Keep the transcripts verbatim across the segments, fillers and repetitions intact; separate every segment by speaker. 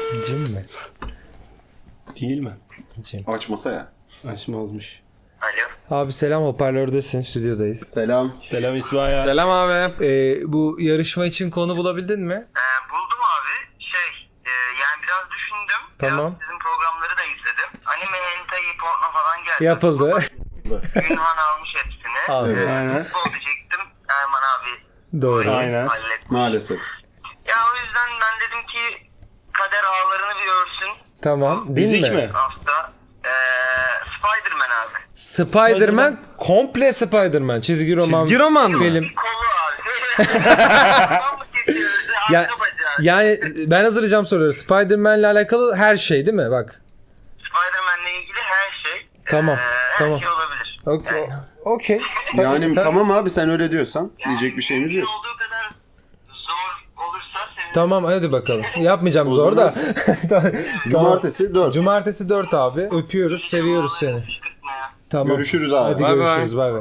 Speaker 1: Cim mi?
Speaker 2: Değil mi?
Speaker 1: Cim.
Speaker 3: Açmasa ya.
Speaker 2: Açmazmış.
Speaker 4: Alo.
Speaker 1: Abi selam, hoparlördesin, stüdyodayız.
Speaker 3: Selam.
Speaker 2: Selam İsmail.
Speaker 1: Selam abi. Ee, bu yarışma için konu bulabildin mi?
Speaker 4: Ee, buldum abi. Şey, e, yani biraz düşündüm.
Speaker 1: Tamam.
Speaker 4: Biraz sizin programları da izledim. Anime, hentai, porno falan geldi.
Speaker 1: Yapıldı.
Speaker 4: Ünvan almış hepsini.
Speaker 1: Abi.
Speaker 3: Evet.
Speaker 2: Aynen.
Speaker 4: Futbol diyecektim. Erman abi
Speaker 1: Doğru.
Speaker 2: Aynen.
Speaker 4: halletti.
Speaker 3: Maalesef.
Speaker 4: Ya o yüzden ben dedim ki kader ağlarını bir örsün
Speaker 1: Tamam. Değil
Speaker 2: Fizik
Speaker 1: mi?
Speaker 2: mi?
Speaker 4: hafta. Ee, Spider-Man abi.
Speaker 1: Spider-Man, komple Spider-Man. Çizgi roman.
Speaker 2: Çizgi roman mı?
Speaker 1: Film.
Speaker 4: Kolu abi. Tam mı kesiyoruz?
Speaker 1: Ya,
Speaker 4: Arka bacağı.
Speaker 1: yani ben hazırlayacağım soruları. Spider-Man'le alakalı her şey değil mi? Bak.
Speaker 4: Spider-Man'le ilgili her şey.
Speaker 1: Tamam,
Speaker 4: ee, her
Speaker 1: tamam.
Speaker 4: şey olabilir.
Speaker 1: Okey. Okey.
Speaker 3: Yani
Speaker 1: Tabii.
Speaker 3: tamam abi sen öyle diyorsan diyecek bir şeyimiz
Speaker 4: mümkün
Speaker 3: yok.
Speaker 4: olduğu kadar zor olursa sevinirim.
Speaker 1: Tamam hadi bakalım. Yapmayacağım
Speaker 3: O
Speaker 1: zor
Speaker 3: zaman-
Speaker 1: da. Tamam.
Speaker 3: Cumartesi dört.
Speaker 1: Cumartesi dört abi. Öpüyoruz, seviyoruz seni.
Speaker 4: Fışkırtma ya.
Speaker 1: Tamam.
Speaker 3: Görüşürüz abi.
Speaker 1: Hadi
Speaker 2: Bay bay.
Speaker 1: görüşürüz. Bay bay.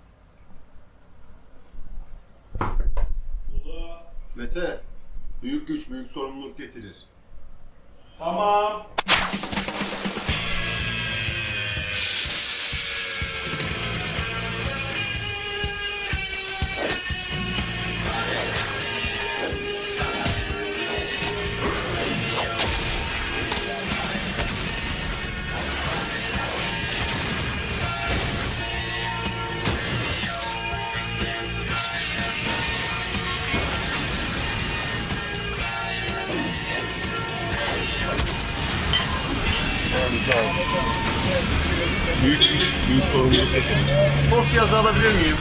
Speaker 5: Mete, büyük güç büyük sorumluluk getirir. Tamam. Büyük güç büyük sorumluluk getirir. Dosyayı alabilir miyim?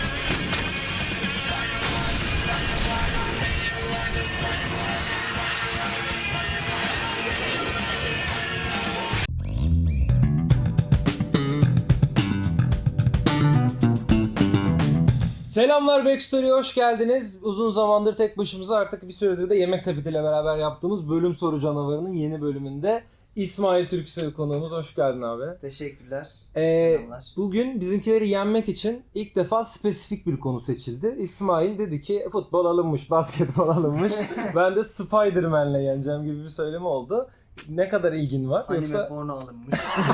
Speaker 1: Selamlar Backstory'e hoş geldiniz. Uzun zamandır tek başımıza, artık bir süredir de Yemek Sepeti ile beraber yaptığımız Bölüm Soru Canavarı'nın yeni bölümünde İsmail Türksoy konuğumuz. Hoş geldin abi.
Speaker 6: Teşekkürler.
Speaker 1: Ee,
Speaker 6: Selamlar.
Speaker 1: bugün bizimkileri yenmek için ilk defa spesifik bir konu seçildi. İsmail dedi ki futbol alınmış, basketbol alınmış. Ben de Spider-Man'le yeneceğim gibi bir söylemi oldu. Ne kadar ilgin var?
Speaker 6: Anime
Speaker 1: Yoksa
Speaker 6: porno alınmış.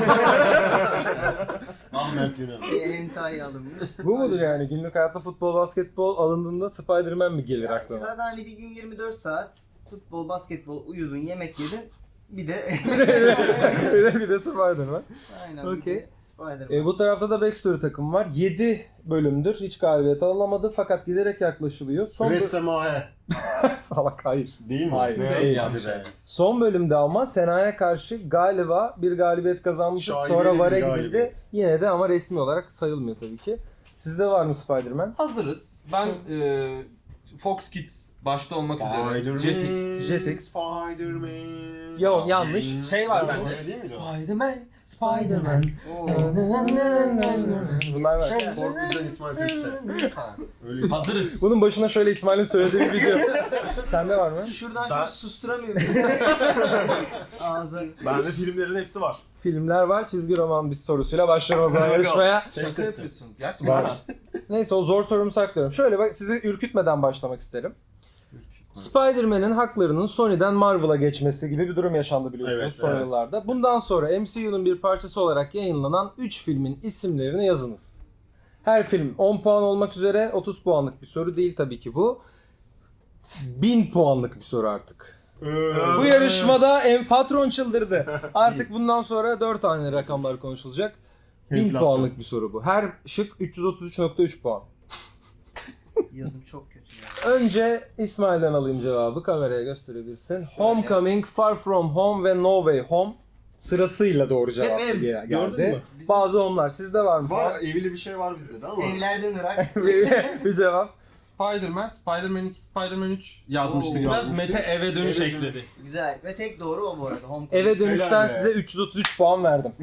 Speaker 5: Ahmet Güney.
Speaker 6: Hentai alınmış.
Speaker 1: bu mudur yani? Günlük hayatta futbol, basketbol alındığında Spider-Man mi gelir
Speaker 6: Yani
Speaker 1: aklına?
Speaker 6: zaten hani bir gün yirmi dört saat futbol, basketbol, uyudun, yemek yedin. Bir de
Speaker 1: bir de bir de Spider-Man.
Speaker 6: aynen
Speaker 1: Okey.
Speaker 6: bir de Spider-Man.
Speaker 1: E, bu tarafta da Backstory takım var. yedi bölümdür hiç galibiyet alınamadı fakat giderek yaklaşılıyor. Son bö-
Speaker 5: Ressamahe.
Speaker 1: Salak hayır.
Speaker 5: Değil mi?
Speaker 1: Hayır,
Speaker 5: Ne?
Speaker 1: değil.
Speaker 5: Hadi be.
Speaker 1: Son bölümde ama Sena'ya karşı galiba bir galibiyet kazanmışız.
Speaker 5: Şaibeli
Speaker 1: Sonra
Speaker 5: bir
Speaker 1: VAR'a gidildi.
Speaker 5: galibiyet.
Speaker 1: Yine de ama resmi olarak sayılmıyor tabii ki. Sizde var mı Spider-Man?
Speaker 7: Hazırız. Ben e, Fox Kids başta olmak üzere. Jetix.
Speaker 1: Jetix.
Speaker 5: Spider-Man.
Speaker 1: Yok, yanlış.
Speaker 7: Şey var bende.
Speaker 5: Öyle değil miydi o?
Speaker 7: Spider-Man, Spider-Man.
Speaker 6: Oo.
Speaker 1: Bunlar var.
Speaker 5: Korkuz'dan İsmail Türkse. Öyle.
Speaker 7: Hazırız.
Speaker 1: Bunun başına şöyle İsmail'in söylediği bir video. Sende var mı?
Speaker 6: Şuradan
Speaker 5: Ben-
Speaker 6: şunu susturamıyorum. Ağzın.
Speaker 5: Bende filmlerin hepsi var.
Speaker 1: Filmler var. Çizgi roman bir sorusuyla başlıyorum o zaman yarışmaya.
Speaker 7: Şaka yapıyorsun. Gerçekten.
Speaker 1: Var. Neyse o zor sorumu saklıyorum. Şöyle bak, sizi ürkütmeden başlamak isterim. Spider-Man'in haklarının Sony'den Marvel'a geçmesi gibi bir durum yaşandı biliyorsunuz
Speaker 5: Evet,
Speaker 1: son
Speaker 5: evet.
Speaker 1: yıllarda. Bundan sonra M C U'nun bir parçası olarak yayınlanan üç filmin isimlerini yazınız. Her film on puan olmak üzere, otuz puanlık bir soru değil tabii ki bu. bin puanlık bir soru artık. Bu yarışmada ev patron çıldırdı. Artık bundan sonra dört tane rakamlar konuşulacak. bin
Speaker 5: Enflasyon.
Speaker 1: puanlık bir soru bu. Her şık üç yüz otuz üç nokta üç puan.
Speaker 6: Yazım çok kötü ya.
Speaker 1: Önce İsmail'den alayım cevabı. Kameraya gösterebilirsin. Homecoming, Far From Home ve No Way Home sırasıyla doğru cevap
Speaker 6: Hep ev.
Speaker 1: geldi.
Speaker 5: Gördün mü?
Speaker 1: Bazı onlar. Sizde var mı?
Speaker 5: Var evli bir şey var bizde de ama.
Speaker 6: Evlerden Irak.
Speaker 1: bir, bir cevap.
Speaker 7: Spider-Man, Spider-Man iki, Spider-Man üç yazmıştık.
Speaker 5: Oo,
Speaker 7: Biraz
Speaker 5: yazmıştık.
Speaker 7: Mete eve dönüş
Speaker 5: Eve
Speaker 7: ekledi.
Speaker 5: dönüş.
Speaker 6: Güzel. Ve tek doğru o bu arada. Homecoming.
Speaker 1: Eve dönüşten
Speaker 5: Helal be.
Speaker 1: size üç yüz otuz üç puan verdim.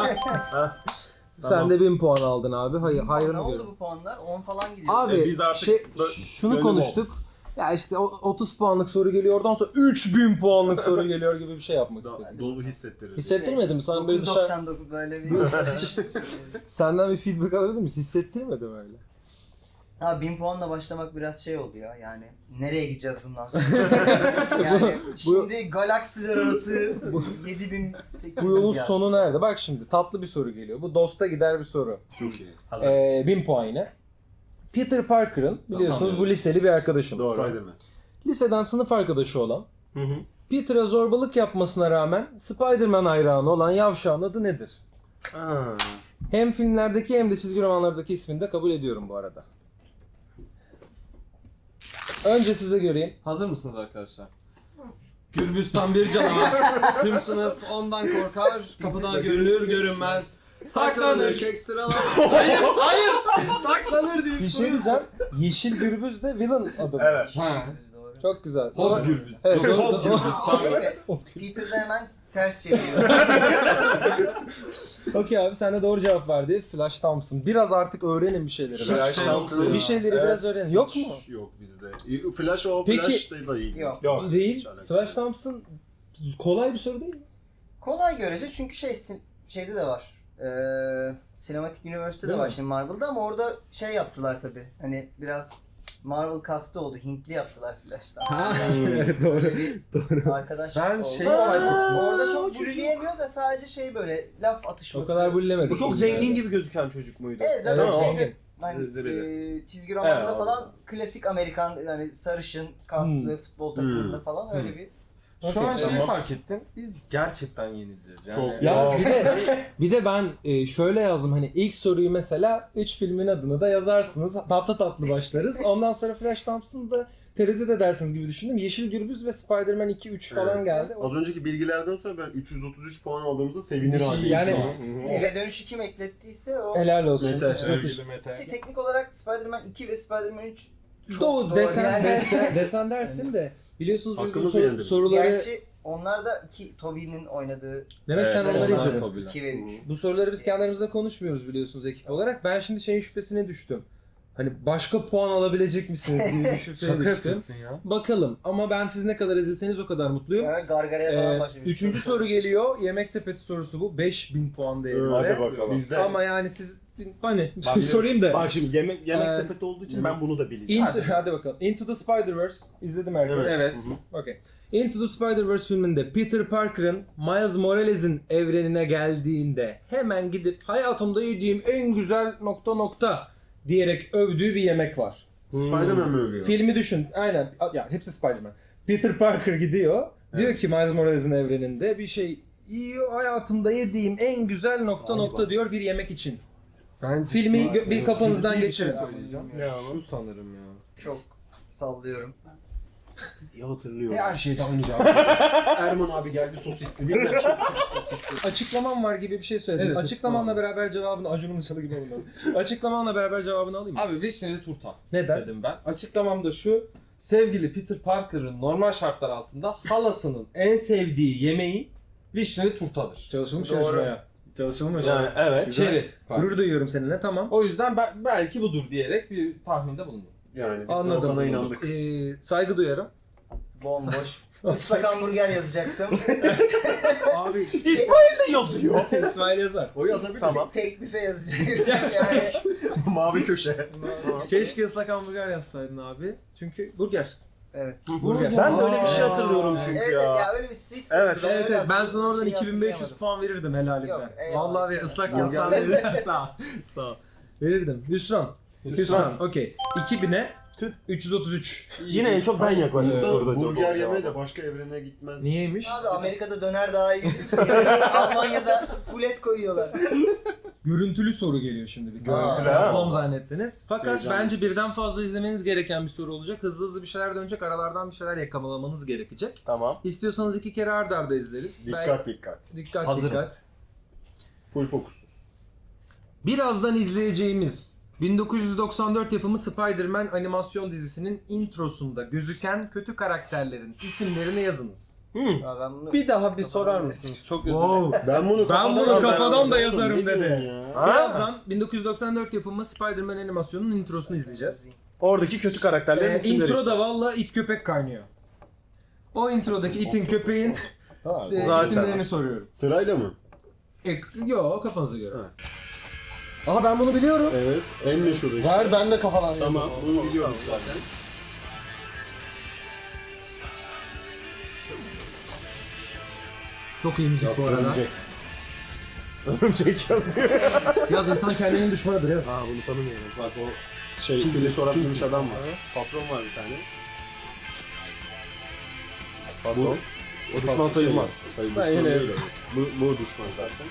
Speaker 1: Sen de bin puan aldın abi. Hayır,
Speaker 6: Ne
Speaker 1: hayrını
Speaker 6: oldu
Speaker 1: görün.
Speaker 6: bu puanlar? on falan gidiyor.
Speaker 1: Abi
Speaker 5: E, biz artık
Speaker 1: şey,
Speaker 5: bö-
Speaker 1: şunu
Speaker 5: bölüm
Speaker 1: konuştuk. Ya işte o- otuz puanlık soru geliyor, oradan sonra üç bin puanlık soru geliyor gibi bir şey yapmak istedim.
Speaker 5: Dolu hissettirir.
Speaker 1: Hissettirmedi mi? Sana böyle
Speaker 6: dokuz
Speaker 1: dışarı...
Speaker 6: doksan dokuz böyle bir
Speaker 1: Senden bir feedback alabilir miyiz? Hissettirmedi mi öyle?
Speaker 6: Abi bin puanla başlamak biraz şey oldu ya yani. Nereye gideceğiz bundan sonra? yani şimdi galaksiler arası yedi bin sekiz
Speaker 1: Bu yolun
Speaker 6: milyar.
Speaker 1: sonu nerede? Bak şimdi tatlı bir soru geliyor. Bu dosta gider bir soru.
Speaker 2: Çok iyi.
Speaker 1: Ee, bin puan yine. Peter Parker'ın biliyorsunuz bu liseli bir arkadaşımız.
Speaker 3: Spider-Man.
Speaker 1: Liseden sınıf arkadaşı olan,
Speaker 2: Hı hı.
Speaker 1: Peter'a zorbalık yapmasına rağmen Spider-Man hayranı olan yavşağın adı nedir?
Speaker 2: Aa.
Speaker 1: Hem filmlerdeki hem de çizgi romanlardaki ismini de kabul ediyorum bu arada. Önce size göreyim.
Speaker 7: Hazır mısınız arkadaşlar? Gürbüz tam bir canavar. Tüm sınıf ondan korkar. Kapıda görünür görünmez. Saklanır.
Speaker 3: Ekstralar.
Speaker 7: Hayır hayır. Saklanır diye.
Speaker 1: Bir şey diyeceğim. Yeşil Gürbüz de villain adı. mı?
Speaker 3: Evet.
Speaker 7: Ha.
Speaker 6: Doğru.
Speaker 1: Çok güzel.
Speaker 7: Hop Gürbüz.
Speaker 1: Evet,
Speaker 7: Yok,
Speaker 1: doğru-
Speaker 7: hop
Speaker 1: doğru-
Speaker 7: Gürbüz.
Speaker 6: Şey
Speaker 7: Pardon.
Speaker 6: mi? Peter de hemen ters çeviriyor.
Speaker 1: Okey abi sen de doğru cevap verdi. Flash Thompson. Biraz artık öğrenin bir şeyleri.
Speaker 3: Flash
Speaker 1: Ben-
Speaker 3: Thompson.
Speaker 1: Bir şeyleri
Speaker 3: Evet.
Speaker 1: biraz öğrenin. Yok mu?
Speaker 3: Hiç Yok bizde. Flash o
Speaker 1: Peki-
Speaker 3: Flash da değil.
Speaker 6: Yok.
Speaker 1: Değil.
Speaker 3: Hiç alakası
Speaker 1: Flash
Speaker 3: yok.
Speaker 1: Thompson kolay bir soru değil mi?
Speaker 6: Kolay görece çünkü şey sin- şeyde de var. Ee, Cinematic Universe'de de
Speaker 1: Değil
Speaker 6: var
Speaker 1: mi?
Speaker 6: şimdi Marvel'da ama orada şey yaptılar tabi. Hani biraz Marvel kastı oldu. Hintli yaptılar Flash'tan.
Speaker 1: Evet doğru.
Speaker 6: Doğru. Arkadaş
Speaker 7: Ben
Speaker 6: oldu.
Speaker 7: şeyi fark ettim.
Speaker 6: Orada çok bulleyemiyor da sadece şey böyle laf
Speaker 1: O
Speaker 6: atışması.
Speaker 1: kadar bullemedik.
Speaker 2: Bu çok zengin gibi gözüken çocuk muydu?
Speaker 6: Evet zaten
Speaker 1: Evet,
Speaker 6: şeyde
Speaker 1: zengin.
Speaker 6: hani
Speaker 2: Zebeli.
Speaker 6: e, çizgi romanda
Speaker 2: Evet,
Speaker 6: falan klasik Amerikan yani sarışın, kaslı futbol takımında
Speaker 3: Hmm.
Speaker 6: falan öyle bir
Speaker 7: Şu an
Speaker 1: Okey,
Speaker 7: şeyi
Speaker 1: tamam.
Speaker 7: fark ettim. Biz gerçekten yenileceğiz. Yani
Speaker 2: Çok.
Speaker 1: Ya bir de bir de ben e, şöyle yazdım hani ilk soruyu mesela üç filmin adını da yazarsınız. Tatlı tatlı başlarız. Ondan sonra Flash Thompson'da tereddüt edersiniz gibi düşündüm. Yeşil Gürbüz ve Spider-Man iki üç falan
Speaker 3: Evet.
Speaker 1: geldi.
Speaker 3: Az önceki bilgilerden sonra ben üç yüz otuz üç puan aldığımızda sevinir haldeyim.
Speaker 1: Yani-
Speaker 3: Hı hı.
Speaker 6: eve dönüşü kim eklettiyse o.
Speaker 1: Helal olsun.
Speaker 3: Mete.
Speaker 1: Sevgili
Speaker 6: Şey, teknik olarak Spider-Man iki ve Spider-Man üç çok
Speaker 1: Doğu
Speaker 6: doğru
Speaker 1: desen,
Speaker 6: yani.
Speaker 1: desen, desen dersin de biliyorsunuz biz bu
Speaker 3: Hakkımızı
Speaker 1: sor-
Speaker 3: yendiriz.
Speaker 1: soruları
Speaker 6: Gerçi onlar da iki Tobey'nin oynadığı
Speaker 1: demek sen
Speaker 2: Evet,
Speaker 1: onları
Speaker 2: onlar
Speaker 1: izledin.
Speaker 2: tabii.
Speaker 6: iki ve üç.
Speaker 1: Bu soruları biz kendi aramızda konuşmuyoruz biliyorsunuz ekip olarak. Ben şimdi şeyin şüphesine düştüm. Hani başka puan alabilecek misiniz gibi bir şüpheye
Speaker 7: şaka
Speaker 1: düştüm.
Speaker 7: yapıyorsun ya.
Speaker 1: Bakalım ama ben siz ne kadar izleseniz o kadar mutluyum.
Speaker 6: Yani Gargara'ya falan
Speaker 1: Ee,
Speaker 6: başlamış.
Speaker 1: üçüncü soru geliyor. Yemek sepeti sorusu bu. beş bin puan değerinde.
Speaker 3: Hadi bakalım.
Speaker 2: Bizde.
Speaker 1: Ama yani siz hani
Speaker 2: Bak,
Speaker 1: sorayım da.
Speaker 2: Bak şimdi yemek yemek
Speaker 1: Ee,
Speaker 2: sepeti olduğu için ben bunu da bileceğim.
Speaker 1: Into, hadi bakalım. Into the Spider-Verse izledim herkes.
Speaker 3: Evet.
Speaker 7: Evet.
Speaker 1: Okay. Into the Spider-Verse filminde Peter Parker'ın Miles Morales'in evrenine geldiğinde hemen gidip hayatımda yediğim en güzel nokta nokta diyerek övdüğü bir yemek var.
Speaker 3: Spider-Man mi övüyor?
Speaker 1: Filmi düşün. Aynen. Ya hepsi Spider-Man. Peter Parker gidiyor. Diyor ki Miles Morales'in evreninde bir şey yiyor. Hayatımda yediğim en güzel nokta nokta diyor bir yemek için.
Speaker 7: Ben
Speaker 1: Filmi gö- bir kafanızdan
Speaker 7: ciddi bir
Speaker 1: geçirin.
Speaker 7: şey söyleyeceğim. Şu sanırım ya.
Speaker 6: Çok sallıyorum.
Speaker 2: İyi hatırlıyorum.
Speaker 7: Her şeyde aynı cevap.
Speaker 2: Erman abi geldi sosisli bir dakika.
Speaker 1: Açıklamam var gibi bir şey söyledim.
Speaker 7: Evet,
Speaker 1: Açıklamanla
Speaker 7: açıklamam.
Speaker 1: beraber cevabını Acun'un dışarı gibi olmadı. Açıklamanla beraber cevabını alayım mı?
Speaker 7: Abi vişneli turta
Speaker 1: Neden?
Speaker 7: dedim ben. Açıklamam da şu. Sevgili Peter Parker'ın normal şartlar altında halasının en sevdiği yemeği vişneli turtadır.
Speaker 1: Çalışılmış
Speaker 6: Doğru.
Speaker 1: yarışmaya. Çalışılmış.
Speaker 2: Yani evet.
Speaker 7: Çeri.
Speaker 1: Gurur duyuyorum seninle tamam.
Speaker 7: O yüzden ben belki budur diyerek bir tahminde bulundum.
Speaker 3: Yani biz de
Speaker 1: Anladım.
Speaker 3: Okan'a inandık.
Speaker 1: Ee, saygı duyarım.
Speaker 6: Bomboş. Islak hamburger yazacaktım.
Speaker 1: Abi
Speaker 2: İsmail de yazıyor.
Speaker 1: İsmail yazar.
Speaker 3: O yazabilir.
Speaker 2: Tamam.
Speaker 6: Tek büfe yazacaktım yani.
Speaker 3: Mavi köşe.
Speaker 1: Keşke ıslak hamburger yazsaydın abi. Çünkü burger.
Speaker 6: Evet.
Speaker 1: Burger.
Speaker 2: Ben de öyle bir şey hatırlıyorum
Speaker 6: Evet,
Speaker 2: çünkü
Speaker 6: evet
Speaker 2: ya.
Speaker 6: ya öyle bir street food.
Speaker 2: Evet,
Speaker 6: Ben
Speaker 1: Evet
Speaker 6: öyle
Speaker 1: evet ben
Speaker 6: hatırlıyorum,
Speaker 1: sana oradan
Speaker 6: şeyi
Speaker 1: iki bin beş yüz
Speaker 6: hatırlayamadım.
Speaker 1: puan verirdim helalinden.
Speaker 6: Yok, eyvallah,
Speaker 1: Vallahi
Speaker 6: istemem.
Speaker 1: ıslak
Speaker 6: Sağ ol.
Speaker 1: yazsan verirdim. Sağ ol. Sağ ol. Verirdim. Hüsran. Hüsran. Okey. iki bine üç yüz otuz üç.
Speaker 2: Yine en çok ben yaklaştım
Speaker 3: Aslında
Speaker 2: soruda cevap
Speaker 3: burger
Speaker 2: olacağım.
Speaker 3: yemeye de başka evrene gitmez.
Speaker 1: Niyeymiş?
Speaker 6: Abi Amerika'da döner daha iyi. Almanya'da full et koyuyorlar.
Speaker 1: Görüntülü soru geliyor şimdi. Bir
Speaker 6: Aa.
Speaker 1: görüntülü
Speaker 2: Ha.
Speaker 1: yapmam zannettiniz. Fakat
Speaker 3: Heyecanlıyız.
Speaker 1: bence birden fazla izlemeniz gereken bir soru olacak. Hızlı hızlı bir şeyler dönecek. Aralardan bir şeyler yakamalamanız gerekecek.
Speaker 2: Tamam.
Speaker 1: İstiyorsanız iki kere arda arda izleriz.
Speaker 3: Dikkat dikkat.
Speaker 1: Belki- Dikkat
Speaker 7: Hazırım.
Speaker 1: dikkat.
Speaker 3: Full fokusuz.
Speaker 1: Birazdan izleyeceğimiz bin dokuz yüz doksan dört yapımı Spider-Man animasyon dizisinin introsunda gözüken kötü karakterlerin isimlerini yazınız.
Speaker 6: Ya ben bunu
Speaker 7: Bir daha bir
Speaker 6: Kafadan
Speaker 7: sorar
Speaker 6: da-
Speaker 7: mısınız? Çok özür dilerim.
Speaker 3: Ben bunu
Speaker 1: Ben bunu
Speaker 3: yazarım.
Speaker 1: kafadan da
Speaker 3: Oğlum,
Speaker 1: yazarım
Speaker 3: ne
Speaker 1: dedi.
Speaker 3: diyorsun ya?
Speaker 1: Birazdan bin dokuz yüz doksan dört yapımı Spider-Man animasyonunun introsunu izleyeceğiz.
Speaker 2: Oradaki kötü karakterlerin
Speaker 1: Ee,
Speaker 2: isimleri
Speaker 1: intro
Speaker 2: işte.
Speaker 1: da valla it köpek kaynıyor. O introdaki itin köpeğin e,
Speaker 2: zaten.
Speaker 1: isimlerini soruyorum.
Speaker 3: Sırayla mı?
Speaker 1: E, yo kafanıza göre.
Speaker 3: Ha.
Speaker 2: Aha ben bunu biliyorum.
Speaker 3: Evet. En meşhuru işte.
Speaker 2: Ver ben de kafadan
Speaker 3: Tamam.
Speaker 2: yazdım.
Speaker 3: Bunu biliyoruz zaten.
Speaker 1: Çok iyi müzik bu arada.
Speaker 3: Örümcek. Örümcek yazıyor.
Speaker 2: Yaz insan kendinin düşmanıdır ya.
Speaker 3: Ha bunu tanımıyorum. Bak o şey fili çorap giymiş adam var. Patron var bir tane. Patron. O düşman sayılmaz. Sayılmaz.
Speaker 2: Ben
Speaker 3: Düşman
Speaker 2: yine-
Speaker 3: değil o. Bu, bu düşman zaten.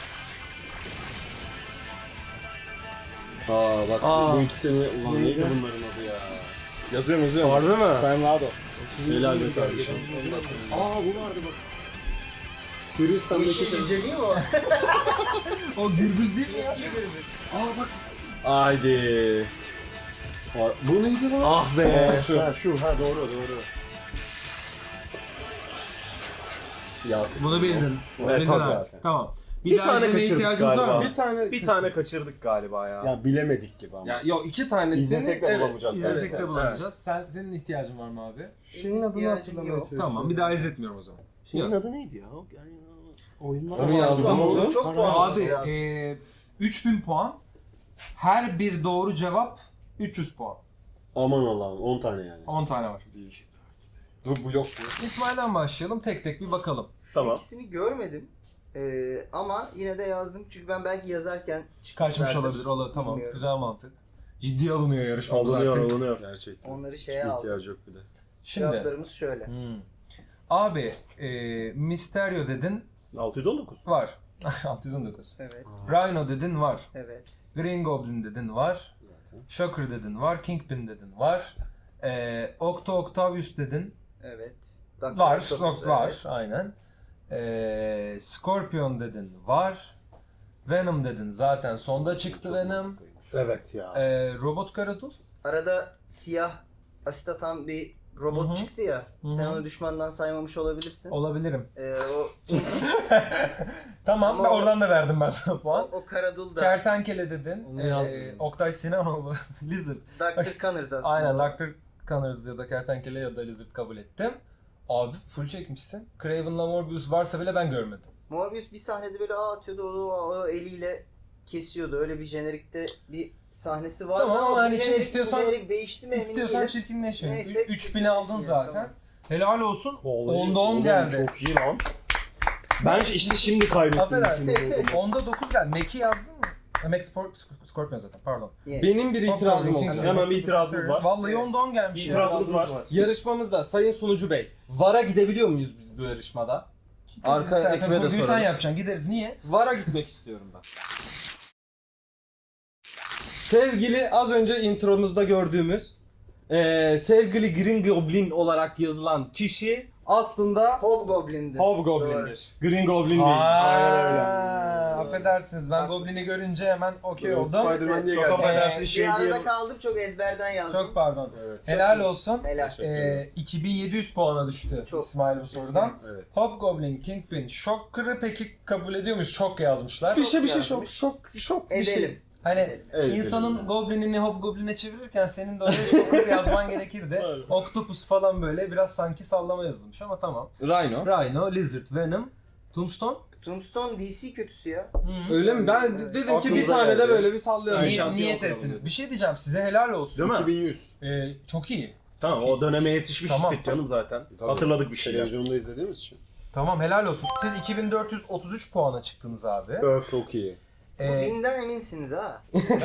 Speaker 3: Aa bak
Speaker 2: Aa.
Speaker 3: bu ikisini ulan neydi bunların adı ya?
Speaker 2: Yazıyorum yazıyorum.
Speaker 3: Harbi mi?
Speaker 2: Sen rahat ol.
Speaker 3: Helal be kardeşim. Aa bu vardı bak. Sirius sendeki
Speaker 6: Yeşil cüce değil mi o?
Speaker 1: O gürbüz değil mi ya?
Speaker 6: Yeşil gürbüz.
Speaker 3: Aa bak.
Speaker 2: Haydi.
Speaker 3: Aa, bu neydi lan?
Speaker 2: Ah be.
Speaker 3: Aa, şu. Ha şu ha doğru doğru. Ya
Speaker 1: Bunu bildin.
Speaker 2: Evet,
Speaker 1: Bildin
Speaker 2: tabii
Speaker 1: artık.
Speaker 3: zaten.
Speaker 1: Tamam. Bir,
Speaker 2: Bir
Speaker 1: daha
Speaker 2: tane
Speaker 1: izlemeye
Speaker 2: kaçırdık
Speaker 1: ihtiyacınız var
Speaker 3: galiba.
Speaker 1: mı?
Speaker 2: Bir tane bir tane kaçırdık galiba ya.
Speaker 3: ya bilemedik gibi ama.
Speaker 2: Ya yok iki tanesini
Speaker 3: İzlesek de
Speaker 2: evet,
Speaker 3: bulamayacağız
Speaker 2: izlesek
Speaker 1: İzlesek
Speaker 2: de
Speaker 1: de bulamayacağız. Sen, senin ihtiyacın var mı abi?
Speaker 2: Şeyin adını
Speaker 6: İhtiyacım
Speaker 2: hatırlamaya
Speaker 6: yok.
Speaker 2: çalışıyorum.
Speaker 1: Tamam bir daha izletmiyorum o zaman.
Speaker 3: Şeyin
Speaker 1: Yok.
Speaker 3: adı neydi ya? Yani oyunlar
Speaker 2: Onu
Speaker 3: var.
Speaker 2: yazdım
Speaker 3: Ama
Speaker 2: oğlum.
Speaker 6: Çok puan
Speaker 1: Abi
Speaker 6: lazım.
Speaker 1: e, üç bin puan. Her bir doğru cevap üç yüz puan.
Speaker 3: Aman Allah'ım on tane yani.
Speaker 1: on tane var.
Speaker 2: Dur bu yok.
Speaker 1: İsmail'den başlayalım. Tek tek bir bakalım.
Speaker 3: Tamam.
Speaker 6: İkisini görmedim. Ee, ama yine de yazdım çünkü ben belki yazarken
Speaker 1: Kaçmış
Speaker 6: çıkmışlardır.
Speaker 1: olabilir. Ola, tamam.
Speaker 6: Bilmiyorum.
Speaker 1: Güzel mantık. Ciddiye alınıyor yarışmamız
Speaker 3: Alınıyor
Speaker 1: artık.
Speaker 3: alınıyor. Gerçekten.
Speaker 6: Onları şeye aldım.
Speaker 3: İhtiyacı yok bir de.
Speaker 1: Şimdi.
Speaker 6: Cevaplarımız şöyle.
Speaker 1: Hmm. Abi e, Mysterio dedin
Speaker 3: altı yüz on dokuz.
Speaker 1: var. altı yüz on dokuz.
Speaker 6: Evet.
Speaker 1: Rhino dedin var.
Speaker 6: Evet.
Speaker 1: Green Goblin dedin var.
Speaker 3: Zaten.
Speaker 1: Shocker dedin var. Kingpin dedin var. E, Octo Octavius dedin.
Speaker 6: Evet. Doctor
Speaker 1: Var.
Speaker 6: Octopus,
Speaker 1: Sok var.
Speaker 6: evet.
Speaker 1: Aynen. E, Scorpion dedin var. Venom dedin zaten sonda çıktı Venom.
Speaker 3: Evet ya.
Speaker 1: E, Robot Karadul.
Speaker 6: Arada siyah asit atan bir robot
Speaker 1: Hı hı.
Speaker 6: çıktı ya.
Speaker 1: Hı
Speaker 6: Sen
Speaker 1: hı.
Speaker 6: onu düşmandan saymamış olabilirsin.
Speaker 1: Olabilirim.
Speaker 6: Ee, o,
Speaker 1: Tamam
Speaker 6: Ama
Speaker 1: ben
Speaker 6: o-
Speaker 1: oradan da verdim ben sana
Speaker 6: o,
Speaker 1: puan.
Speaker 6: o Karadul da
Speaker 1: Kertenkele dedin.
Speaker 2: Onu
Speaker 1: Ee,
Speaker 2: yazdım.
Speaker 1: Oktay Sinanoğlu. Lizard.
Speaker 6: doktor Connors aslında.
Speaker 1: Aynen Doctor Connors ya da Kertenkele ya da Lizard kabul ettim. Abi full çekmişsin. Craven'la Morbius varsa bile ben görmedim.
Speaker 6: Morbius bir sahnede böyle ağ atıyordu, o, o eliyle kesiyordu. Öyle bir jenerikte bir sahnesi vardı
Speaker 1: Tamam ama
Speaker 6: bu
Speaker 1: hani
Speaker 6: jenerik-
Speaker 1: istiyorsan-
Speaker 6: bu jenerik değişti mi emin
Speaker 1: İstiyorsan
Speaker 6: değilim.
Speaker 1: çirkinleşme.
Speaker 6: Neyse,
Speaker 1: üç bini aldın
Speaker 6: çirkinleşmeyelim,
Speaker 1: zaten.
Speaker 6: tamam.
Speaker 1: Helal olsun.
Speaker 3: Vallahi
Speaker 1: onda on
Speaker 3: oğlum
Speaker 1: geldi.
Speaker 3: Çok iyi lan. Ben işte şimdi kaybettim.
Speaker 1: Affedersin.
Speaker 3: içinde.
Speaker 1: onda dokuz geldi. Mac'i yazdın mı? Ha, Mac Spor- Scorpion zaten pardon.
Speaker 6: Yeah.
Speaker 2: Benim bir itirazım oldu.
Speaker 1: Scorpion,
Speaker 3: Hemen bir itirazımız var.
Speaker 1: Vallahi onda on gelmiş. ya.
Speaker 3: İtirazımız var.
Speaker 2: Yarışmamızda Sayın Sunucu Bey, VAR'a gidebiliyor muyuz biz bu yarışmada? Arka
Speaker 1: İstersen
Speaker 2: ekibe de
Speaker 1: kurguyu sen
Speaker 2: soralım.
Speaker 1: yapacaksın. Gideriz. Niye?
Speaker 2: VAR'a gitmek istiyorum ben. Sevgili az önce intromuzda gördüğümüz eee sevgili Green Goblin olarak yazılan kişi aslında
Speaker 6: Hobgoblin'di.
Speaker 2: Hobgoblin'dir. Green Goblin değil.
Speaker 1: Aa,
Speaker 2: Aynen öyle.
Speaker 1: affedersiniz ben
Speaker 6: Haklısın.
Speaker 1: Goblin'i görünce hemen okey
Speaker 3: Evet,
Speaker 1: oldum.
Speaker 3: Spider-Man diye
Speaker 2: Çok
Speaker 3: geldi.
Speaker 2: affedersin
Speaker 6: Bir
Speaker 2: şey
Speaker 6: arada
Speaker 2: diyelim.
Speaker 6: kaldım, çok ezberden yazdım.
Speaker 1: Çok pardon.
Speaker 3: Evet.
Speaker 1: Helal olsun.
Speaker 6: Helal.
Speaker 3: Teşekkür ederim.
Speaker 1: Ee, iki bin yedi yüz puana düştü
Speaker 6: Çok.
Speaker 1: İsmail bu sorudan.
Speaker 3: Evet.
Speaker 1: Hobgoblin, Kingpin, Shocker'ı peki kabul ediyor muyuz? Çok yazmışlar.
Speaker 2: Bir şey bir şey
Speaker 6: yazmış.
Speaker 2: şok şok şok bir şey.
Speaker 6: Edelim.
Speaker 1: Hani
Speaker 3: Evet,
Speaker 1: insanın
Speaker 3: evet.
Speaker 1: Goblin'ini Hobgoblin'e çevirirken senin de oraya Shocker yazman gerekirdi. Octopus falan böyle biraz sanki sallama yazılmış ama tamam.
Speaker 2: Rhino.
Speaker 1: Rhino, Lizard, Venom, Tombstone.
Speaker 6: Tombstone D C kötüsü ya.
Speaker 2: Öyle mi? Ben de- dedim ki bir
Speaker 3: Aklımıza
Speaker 2: tane de
Speaker 3: geldi.
Speaker 2: böyle bir sallayalım.
Speaker 3: Aynen.
Speaker 1: Ni-
Speaker 3: şantiye
Speaker 1: niyet
Speaker 3: okuyalım
Speaker 1: ettiniz.
Speaker 3: dedim.
Speaker 1: Bir şey diyeceğim size helal olsun.
Speaker 3: Değil mi? iki bin yüz.
Speaker 1: Ee, çok iyi.
Speaker 3: Tamam o döneme yetişmiştik
Speaker 1: Tamam.
Speaker 3: canım zaten. Hatırladık bir şeyler. Televizyonda izlediğimiz için.
Speaker 1: Tamam helal olsun. Siz iki bin dört yüz otuz üç puana çıktınız abi.
Speaker 3: Öf.
Speaker 2: Çok iyi.
Speaker 1: Ee,
Speaker 6: Binden eminsiniz ha.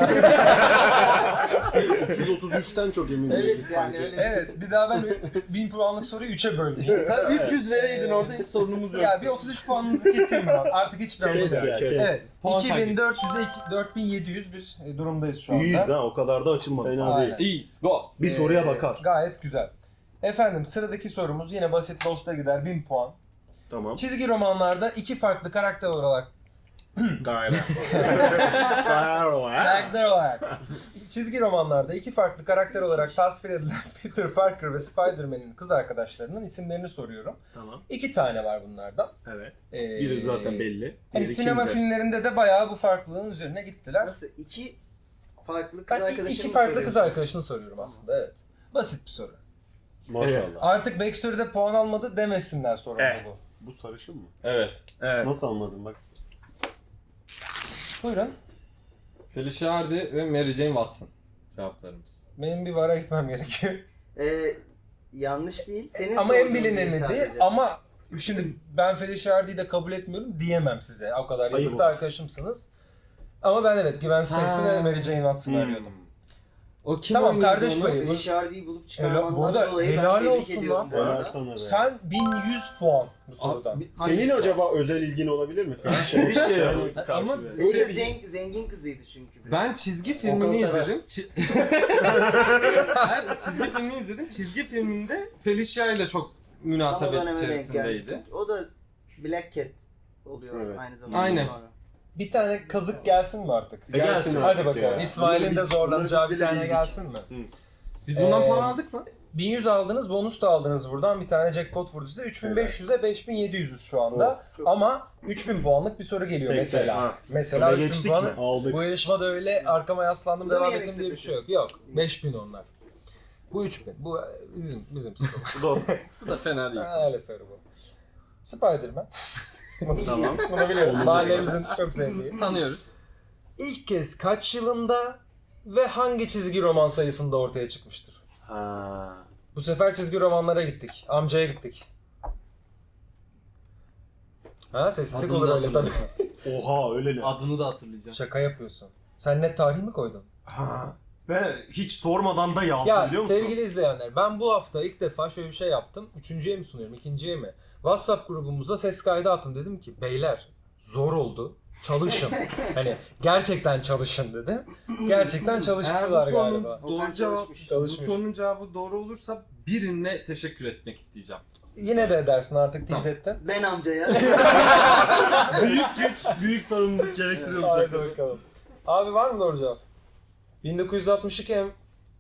Speaker 3: üç yüz otuz üçten çok emin
Speaker 6: Evet,
Speaker 3: değiliz
Speaker 6: yani
Speaker 3: sanki.
Speaker 6: öyle.
Speaker 1: evet bir daha ben bin puanlık soruyu üçe böldüm.
Speaker 2: Sen üç yüz vereydin orada hiç sorunumuz yok.
Speaker 1: Ya bir otuz üç puanınızı keseyim ben. Artık hiçbir
Speaker 3: Kes
Speaker 1: anlamı
Speaker 3: ya,
Speaker 1: yok.
Speaker 3: kes.
Speaker 1: Evet.
Speaker 2: Puan
Speaker 1: iki bin dört yüze iki- dört bin yedi yüz bir e, durumdayız şu anda.
Speaker 3: İyiyiz ha o kadar da açılmadı. Fena
Speaker 1: Aynen.
Speaker 3: değil.
Speaker 2: İyiyiz. Go.
Speaker 3: Bir
Speaker 1: Ee,
Speaker 3: soruya bakar.
Speaker 1: Gayet güzel. Efendim sıradaki sorumuz yine basit Lost'a gider bin puan.
Speaker 3: Tamam.
Speaker 1: Çizgi romanlarda iki farklı karakter olarak
Speaker 3: Gayet. Gayet.
Speaker 1: karakter olarak çizgi romanlarda iki farklı karakter olarak tasvir edilen Peter Parker ve Spider-Man'in kız arkadaşlarının isimlerini soruyorum.
Speaker 3: Tamam.
Speaker 1: İki tane var bunlardan.
Speaker 3: Evet.
Speaker 1: Ee,
Speaker 3: Biri zaten belli.
Speaker 1: Hani
Speaker 3: Diğeri
Speaker 1: sinema
Speaker 3: kimde?
Speaker 1: filmlerinde de bayağı bu farklılığın üzerine gittiler.
Speaker 6: Nasıl? İki farklı kız
Speaker 1: Ben
Speaker 6: arkadaşım
Speaker 1: iki farklı kız arkadaşını soruyorum aslında evet. Basit bir soru.
Speaker 3: Maşallah.
Speaker 1: Artık Backstory'de puan almadı demesinler sorumda
Speaker 3: Evet.
Speaker 1: bu.
Speaker 3: Bu sarışın mı?
Speaker 2: Evet.
Speaker 3: Evet. Nasıl anladın bak.
Speaker 1: Buyurun.
Speaker 7: Felicia Hardy ve Mary Jane Watson cevaplarımız.
Speaker 1: Benim bir vara gitmem gerekiyor.
Speaker 6: Ee, yanlış değil. Senin
Speaker 1: Ama en
Speaker 6: sorduğun
Speaker 1: bilineni
Speaker 6: değil
Speaker 1: değil
Speaker 6: sadece.
Speaker 1: ama şimdi ben Felicia Hardy'yi de kabul etmiyorum diyemem size. O kadar
Speaker 3: Ayıp
Speaker 1: yakında
Speaker 3: olur.
Speaker 1: arkadaşımsınız. Ama ben evet Gwen Stacy ve Mary Jane Watson'ı arıyordum.
Speaker 7: O kim
Speaker 1: Tamam,
Speaker 7: oynuyordu
Speaker 1: kardeş
Speaker 7: onu?
Speaker 1: payı.
Speaker 6: Felicia Hardy'yi bulup
Speaker 1: Helal-
Speaker 6: çıkarmandan
Speaker 1: burada
Speaker 6: dolayı ben
Speaker 1: helal
Speaker 6: tebrik
Speaker 1: olsun
Speaker 6: ediyorum
Speaker 1: lan.
Speaker 6: bu
Speaker 3: Helal
Speaker 6: arada.
Speaker 3: sana be.
Speaker 1: Sen bin yüz puan bu
Speaker 7: As-
Speaker 1: sorudan.
Speaker 7: bir-
Speaker 3: Senin acaba özel ilgin olabilir mi? Bir şey yok.
Speaker 7: Ama
Speaker 6: Felicia
Speaker 3: Öyle bir-
Speaker 6: zen- zengin kızıydı çünkü. biraz.
Speaker 7: ben çizgi
Speaker 3: Okan
Speaker 7: filmini
Speaker 3: sever.
Speaker 7: izledim. Çi- ben çizgi filmini izledim. Çizgi filminde Felicia ile çok
Speaker 6: Tam o
Speaker 7: münasebet
Speaker 6: döneme denk
Speaker 7: içerisindeydi.
Speaker 6: gelmişsin. O da Black Cat oluyor
Speaker 3: Evet.
Speaker 6: aynı zamanda.
Speaker 7: Aynen.
Speaker 6: Sonra.
Speaker 1: Bir tane kazık gelsin mi artık?
Speaker 3: Gelsin
Speaker 1: Hadi
Speaker 3: artık
Speaker 1: bakalım.
Speaker 3: ya.
Speaker 1: İsmail'in
Speaker 3: Bunları
Speaker 1: de
Speaker 3: biz-
Speaker 1: zorlanacağı
Speaker 3: bunları
Speaker 1: bir
Speaker 3: biz bile
Speaker 1: tane
Speaker 3: bildik.
Speaker 1: gelsin mi?
Speaker 7: Biz bundan
Speaker 1: Ee,
Speaker 7: puan aldık mı?
Speaker 1: bin yüz aldınız, bonus da aldınız buradan. Bir tane jackpot vurdu size. üç bin beş yüze beş bin yedi yüzüz şu anda.
Speaker 6: Çok-
Speaker 1: Ama üç bin puanlık bir soru geliyor
Speaker 3: Peki,
Speaker 1: mesela.
Speaker 3: ha.
Speaker 1: Mesela
Speaker 3: Öne
Speaker 1: üç bin
Speaker 3: geçtik
Speaker 1: puanı.
Speaker 3: mi? Aldık.
Speaker 1: Bu yarışmada öyle arkama yaslandım
Speaker 6: Bu da mı
Speaker 1: devam
Speaker 6: yemek
Speaker 1: ettim diye bir
Speaker 6: sepeti?
Speaker 1: şey yok. Yok. beş bin onlar. Bu üç bin. Bu bizim bizim soru.
Speaker 3: Doğru.
Speaker 7: Bu da fena değil.
Speaker 1: Ha, öyle soru bu. Spider-Man.
Speaker 7: Tamam.
Speaker 1: Bunu biliyoruz. Mahallemizin çok sevdiği.
Speaker 7: Tanıyoruz.
Speaker 1: İlk kez kaç yılında ve hangi çizgi roman sayısında ortaya çıkmıştır?
Speaker 3: Ha.
Speaker 1: Bu sefer çizgi romanlara gittik. Amcaya gittik. Ha sessizlik
Speaker 7: Adını
Speaker 1: olur
Speaker 7: da
Speaker 1: öyle tabii.
Speaker 7: hatırlayacağım.
Speaker 3: Oha öyle ne?
Speaker 7: Adını da hatırlayacağım.
Speaker 1: Şaka yapıyorsun. Sen net tarih mi koydun?
Speaker 3: Ha. Ve hiç sormadan da yazdı
Speaker 1: Ya
Speaker 3: biliyor musun?
Speaker 1: sevgili izleyenler, ben bu hafta ilk defa şöyle bir şey yaptım. Üçüncüye mi sunuyorum, ikinciye mi? WhatsApp grubumuza ses kaydı attım. Dedim ki beyler zor oldu. Çalışın. Hani gerçekten çalışın dedim. Gerçekten
Speaker 7: Eğer bu
Speaker 1: çalıştılar
Speaker 7: sorunun
Speaker 1: galiba.
Speaker 7: doğru
Speaker 6: Okan
Speaker 7: cevap,
Speaker 6: çalışmış.
Speaker 7: bu
Speaker 1: Çalışmış.
Speaker 7: sorunun cevabı doğru olursa birine teşekkür etmek isteyeceğim.
Speaker 1: Yine de edersin artık
Speaker 7: Tamam.
Speaker 1: tease ettin.
Speaker 6: Ben amcaya.
Speaker 3: büyük güç, büyük sorumluluk gerektiriyor bu
Speaker 1: Hadi
Speaker 3: şaka.
Speaker 1: bakalım. Abi var mı doğru cevap? bin dokuz yüz altmış iki em-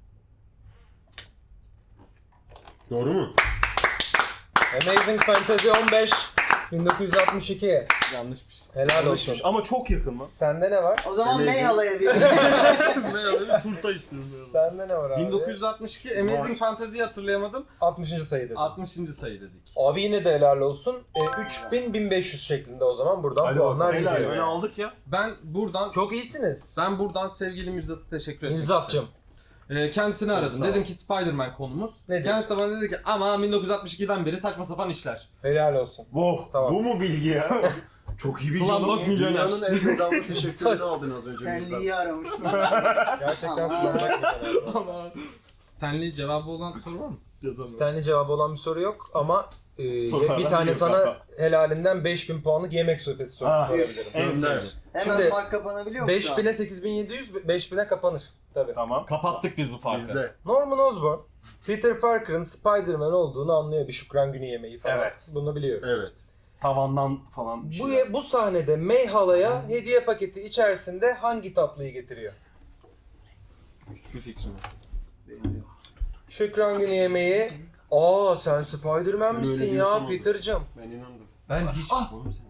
Speaker 3: Doğru mu?
Speaker 1: Amazing Fantasy on beş bin dokuz yüz altmış iki.
Speaker 7: Yanlışmış.
Speaker 1: Helal olsun.
Speaker 3: Alışmış ama çok yakın lan.
Speaker 1: Sende ne var?
Speaker 6: O zaman
Speaker 3: Amazing.
Speaker 6: Meyhala'ya bir.
Speaker 3: bir turta istiyorum.
Speaker 1: Sende ne var abi?
Speaker 7: bin dokuz yüz altmış iki Amazing Fantasy'yi hatırlayamadım.
Speaker 1: altmışıncı sayı dedim.
Speaker 7: altmışıncı sayı dedik.
Speaker 1: Abi yine de helal olsun. E, üç bin bin beş yüz şeklinde o zaman buradan
Speaker 3: Hadi
Speaker 1: puanlar
Speaker 3: bakalım. Helal.
Speaker 1: gidiyor.
Speaker 3: Öyle aldık ya.
Speaker 7: Ben buradan
Speaker 1: Çok iyisiniz.
Speaker 7: ben buradan sevgili Mirzat'a teşekkür etmek
Speaker 1: Mirzat'cığım.
Speaker 7: istedim. Ee, kendisini aradım.
Speaker 3: sağ ol.
Speaker 7: Dedim ki Spider-Man konumuz.
Speaker 1: Ne
Speaker 7: Kendisi de bana dedi ki ama bin dokuz yüz altmış ikiden beri saçma sapan işler.
Speaker 1: Helal olsun.
Speaker 3: Wow.
Speaker 1: Tamam.
Speaker 3: Bu mu bilgi ya? Çok iyi bilgi.
Speaker 7: Slumdog Millionaire.
Speaker 3: Dünyanın en bedava teşekkürünü aldın az önce. Mirzat.
Speaker 6: Stanley'i aramış.
Speaker 1: Gerçekten
Speaker 6: Tamam.
Speaker 1: Stanley.
Speaker 7: Stanley cevabı olan soru var mı?
Speaker 3: Yazamıyorum.
Speaker 1: Stanley cevabı olan bir soru yok ama e,
Speaker 3: Sorulardan
Speaker 1: bir tane
Speaker 3: yok
Speaker 1: sana
Speaker 3: ama.
Speaker 1: helalinden beş bin puanlık yemek sepeti sorusu
Speaker 3: Ah,
Speaker 1: sorabilirim.
Speaker 3: En
Speaker 7: Gönder.
Speaker 3: sevdiğim.
Speaker 6: Hemen
Speaker 1: Şimdi
Speaker 6: fark kapanabiliyor mu?
Speaker 1: beş
Speaker 6: şu an?
Speaker 1: bine sekiz bin yedi yüz, beş bine kapanır. Tabii.
Speaker 3: Tamam.
Speaker 7: Kapattık biz bu farkı.
Speaker 3: Bizde.
Speaker 1: Norman Osborn, Peter Parker'ın Spider-Man olduğunu anlıyor bir şükran günü yemeği falan.
Speaker 3: Evet.
Speaker 1: Bunu biliyoruz.
Speaker 3: Evet. Tavandan falan bir
Speaker 1: Bu,
Speaker 3: şeyler.
Speaker 1: bu sahnede May halaya hediye paketi içerisinde hangi tatlıyı getiriyor?
Speaker 7: Hiçbir fikrim yok.
Speaker 1: Şükran günü yemeği. Aa sen Spider-Man
Speaker 3: Öyle
Speaker 1: misin
Speaker 3: diyorsun
Speaker 1: ya
Speaker 3: ama.
Speaker 1: Peter'cığım?
Speaker 3: Ben inandım.
Speaker 7: Ben hiç... Oğlum sen-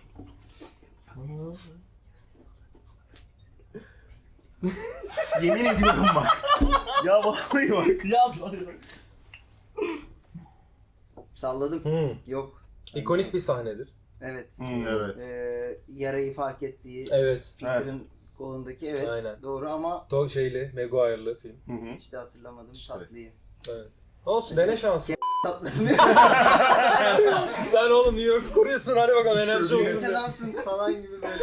Speaker 3: Yemin ediyorum bak. Ya vallahi bak.
Speaker 7: Yaz lan.
Speaker 6: Salladım.
Speaker 1: Hmm.
Speaker 6: Yok.
Speaker 1: İkonik bir sahnedir.
Speaker 6: Evet.
Speaker 3: Hmm, evet.
Speaker 6: Ee, yarayı fark ettiği
Speaker 1: Evet.
Speaker 6: Peter'ın kolundaki evet
Speaker 1: Aynen.
Speaker 6: doğru ama
Speaker 1: To şeyli, Maguire'lı film.
Speaker 3: Hı hı.
Speaker 6: hiç de hatırlamadım
Speaker 3: İşte.
Speaker 6: tatlıyı.
Speaker 1: Evet. Olsun dene şansı.
Speaker 6: Tatlısını
Speaker 1: Sen oğlum New York'u koruyorsun hadi bakalım enerji
Speaker 3: Şöyle
Speaker 1: olsun.
Speaker 6: genç adamsın falan gibi böyle.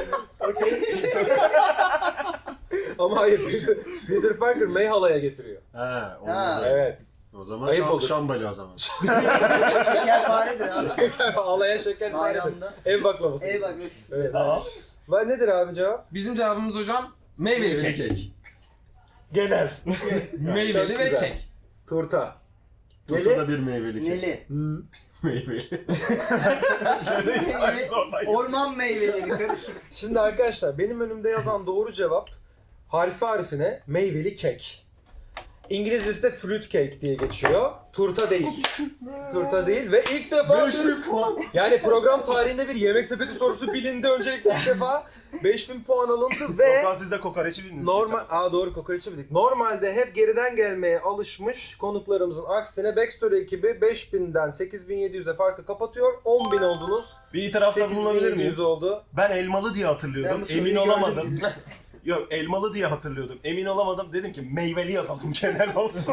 Speaker 1: Ama hayır Peter, Peter Parker May halaya getiriyor.
Speaker 3: Ha, o,
Speaker 6: Ha.
Speaker 3: zaman-
Speaker 1: Evet.
Speaker 3: o zaman
Speaker 1: Ayıp
Speaker 3: şam,
Speaker 1: olur.
Speaker 3: şambali o zaman.
Speaker 6: Şekerparedir abi.
Speaker 1: Halaya şeker faydadır.
Speaker 6: Bayramda.
Speaker 1: Ev baklavası.
Speaker 6: Ey bak.
Speaker 1: Evet.
Speaker 3: Tamam.
Speaker 1: Ben nedir abi cevap?
Speaker 7: Bizim cevabımız hocam meyveli kek.
Speaker 1: Genel.
Speaker 7: Meyveli
Speaker 1: Çok
Speaker 7: ve
Speaker 1: güzel.
Speaker 7: kek.
Speaker 1: Turta.
Speaker 3: Turtada bir meyveli kek.
Speaker 6: Neli.
Speaker 1: Hmm.
Speaker 3: Meyveli. Neredeyse aynı oradayım.
Speaker 6: Orman meyveleri karışık.
Speaker 1: Şimdi arkadaşlar benim önümde yazan doğru cevap harfi harfine meyveli kek. İngilizcesi de fruit cake diye geçiyor. Turta değil. Turta değil ve ilk defa
Speaker 3: beş bin puan.
Speaker 1: yani program tarihinde bir yemek sepeti sorusu bilindi öncelikle ilk defa beş bin puan alındı ve
Speaker 3: Okan siz de kokoreçi bildiniz.
Speaker 1: normal aa doğru kokoreçi bildik. Normalde hep geriden gelmeye alışmış konuklarımızın aksine Backstory ekibi beş binden sekiz bin yedi yüze farkı kapatıyor. on bin oldunuz.
Speaker 3: Bir itirafta
Speaker 1: sekiz bin
Speaker 3: bulunabilir
Speaker 1: yedi
Speaker 3: miyim?
Speaker 1: yüz oldu.
Speaker 3: Ben elmalı diye hatırlıyordum.
Speaker 6: Ben bu soruyu
Speaker 3: Emin
Speaker 6: gördüm
Speaker 3: olamadım.
Speaker 5: Yok elmalı diye hatırlıyordum. Emin olamadım. Dedim ki meyveli yazalım genel olsun.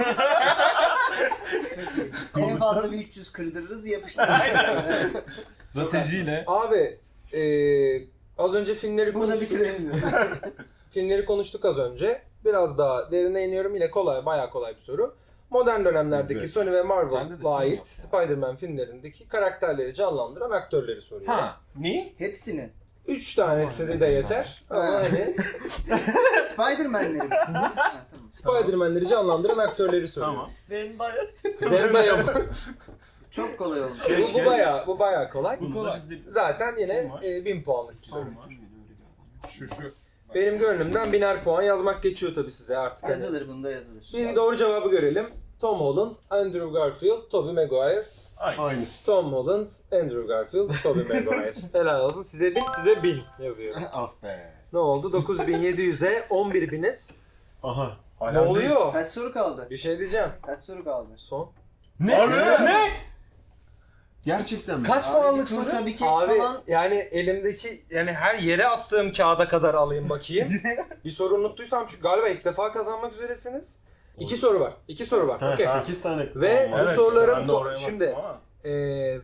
Speaker 6: En fazla bir üç yüz kırdırırız yapıştırırız.
Speaker 7: Stratejiyle.
Speaker 1: Abi eee, az önce filmleri
Speaker 6: Burada
Speaker 1: konuştuk.
Speaker 6: bitirelim.
Speaker 1: Filmleri konuştuk az önce. Biraz daha derine iniyorum. Yine kolay, bayağı kolay bir soru. Modern dönemlerdeki
Speaker 3: Bizde.
Speaker 1: Sony ve
Speaker 7: Bende de
Speaker 1: Marvel'a
Speaker 7: film
Speaker 1: ait
Speaker 7: yok.
Speaker 1: Spider-Man filmlerindeki karakterleri canlandıran aktörleri soruyor.
Speaker 7: Ha.
Speaker 5: Ne?
Speaker 6: Hepsini.
Speaker 1: Üç tanesini de yeter. Ama
Speaker 6: Ha.
Speaker 1: hani
Speaker 6: Spider-Man'leri mi? Ha, tamam.
Speaker 1: Spider-Man'leri canlandıran aktörleri soruyor.
Speaker 5: Tamam. Zendaya.
Speaker 1: Zendaya mı?
Speaker 6: Çok kolay olmuş.
Speaker 1: bu, bu bayağı, bu bayağı kolay.
Speaker 5: Bu kolay. Bizde
Speaker 1: Zaten yine
Speaker 5: Kim var?
Speaker 1: e, bin puanlık bir soru.
Speaker 5: Kim var?
Speaker 7: Şu şu.
Speaker 1: Benim gönlümden biner puan yazmak geçiyor tabii size artık. Hani.
Speaker 6: Yazılır, bunda yazılır.
Speaker 1: Bir doğru cevabı görelim. Tom Holland, Andrew Garfield, Tobey Maguire.
Speaker 5: Aynı.
Speaker 1: Tom Holland, Andrew Garfield, Tobey Maguire. Helal olsun. Size bin, size bin yazıyor.
Speaker 3: Ah be.
Speaker 1: Ne oldu? dokuz bin yedi yüze on bir biniz.
Speaker 3: Aha.
Speaker 1: Ne oluyor?
Speaker 6: Kaç soru kaldı?
Speaker 1: Bir şey diyeceğim.
Speaker 6: Kaç soru kaldı?
Speaker 1: Son.
Speaker 5: Ne? Ne?
Speaker 3: Gerçekten mi?
Speaker 1: Kaç
Speaker 6: Abi,
Speaker 1: puanlık
Speaker 6: tur
Speaker 1: soru?
Speaker 6: tabii ki
Speaker 1: Abi
Speaker 6: falan-
Speaker 1: yani elimdeki yani her yere attığım kağıda kadar alayım bakayım. Bir soru unuttuysam çünkü galiba ilk defa kazanmak üzeresiniz. İki soru var. İki soru var.
Speaker 3: Ha,
Speaker 1: Okey.
Speaker 3: sekiz tane.
Speaker 1: Ve
Speaker 3: puan var.
Speaker 1: bu soruların
Speaker 5: ben de
Speaker 1: to-
Speaker 5: oraya baktım
Speaker 1: şimdi
Speaker 5: ama.
Speaker 1: eee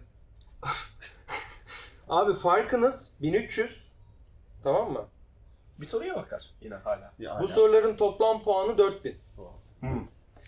Speaker 1: abi farkınız bin üç yüz, tamam mı?
Speaker 5: Bir soruya bakar yine hala.
Speaker 3: Ya,
Speaker 1: Bu
Speaker 3: ya.
Speaker 1: soruların toplam puanı dört bin.
Speaker 5: Hmm.